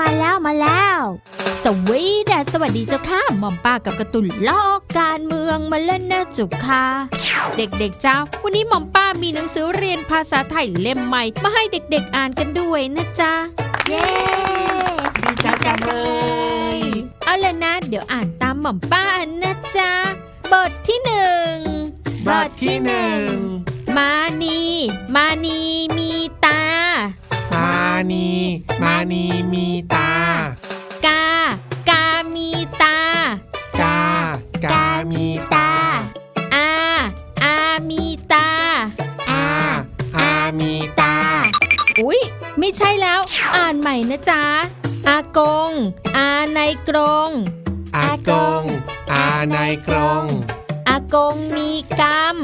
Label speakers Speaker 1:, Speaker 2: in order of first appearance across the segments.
Speaker 1: แล้วสวัสดีเจ้าค่ะหม่อมป้ากับการ์ตูนลอกการเมืองมาเล่นนะจุกค่ะเด็กๆจ้าวันนี้หม่อมป้ามีหนังสือเรียนภาษาไทยเล่มใหม่มาให้เด็กๆอ่านกันด้วยนะจ๊ะเย้
Speaker 2: ดีใจจังเลย
Speaker 1: เอาล่ะนะเดี๋ยวอ่านตามหม่อมป้านะจ๊ะบทที่1มานีมีตา
Speaker 2: มานีมีตาก
Speaker 1: ามีตาก
Speaker 2: ามีตา
Speaker 1: อามีตา
Speaker 2: มีตา
Speaker 1: อุ๊ยไม่ใช่แล้วอ่านใหม่นะจ๊ะอากงอาในกรง
Speaker 2: อากงอาในกรง
Speaker 1: อากงมีกรรม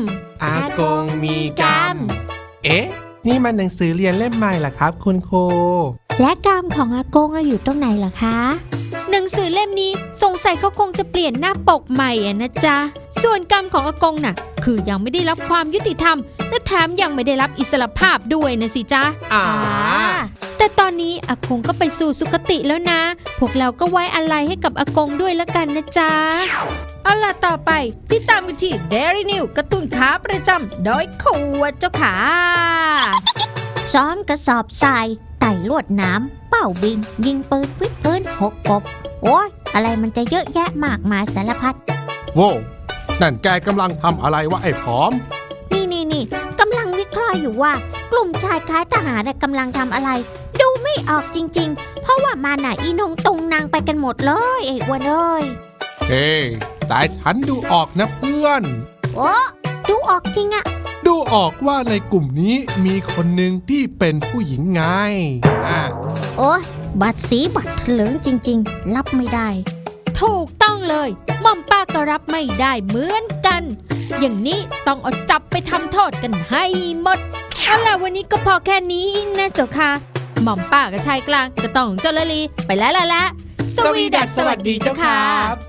Speaker 2: เอ๊ะนี่มันหนังสือเรียนเล่มใหม่เหรอครับคุณครู
Speaker 1: และกรรมของอากงอยู่ตรงไหนล่ะคะหนังสือเล่มนี้สงสัยเขาคงจะเปลี่ยนหน้าปกใหม่นะจ๊ะส่วนกรรมของอากงน่ะคือยังไม่ได้รับความยุติธรรมและแถมยังไม่ได้รับอิสรภาพด้วยนะสิจ๊ะแต่ตอนนี้อากงก็ไปสู่สุคติแล้วนะพวกเราก็ไว้อาลัยให้กับอากงด้วยละกันนะจ๊ะเอาล่ะต่อไปติดตามกันที่ Dairy New การ์ตูนขาประจำโดยขวดเจ้าขา
Speaker 3: ซ้อมกระสอบทรายไต่ลวดหนามเป้าบินยิงปืนวิดพื้นหกกบโอ้ยอะไรมันจะเยอะแยะมากมายสารพัด
Speaker 2: โว้นั่นแกกำลังทำอะไรวะไอ้ผอม
Speaker 3: นี่กำลังวิเคราะห์อยู่ว่ากลุ่มชายคล้ายทหารกำลังทำอะไรดูไม่ออกจริงๆเพราะว่ามาน่ะอีนงตรงนางไปกันหมดเลยไอ้อ้วนเอ้ย
Speaker 2: เฮ้แต่ฉันดูออกนะเพื่อน
Speaker 3: โอ้ดูออกจริงอะ
Speaker 2: ดูออกว่าในกลุ่มนี้มีคนหนึ่งที่เป็นผู้หญิงไง
Speaker 3: โอ้ยบัดสีบัดเถลิงจริงๆรับไม่ได้
Speaker 1: ถูกต้องเลยม่อมป้าก็รับไม่ได้เหมือนกันอย่างนี้ต้องเอาจับไปทำโทษกันให้หมดเอาล่ะวันนี้ก็พอแค่นี้นะเจ้าค่ะหม่อมป้ากับชายกลางก็ต้องเจ้าละลีไปแล้วล่ะ
Speaker 2: สวัสดีเจ้าครับ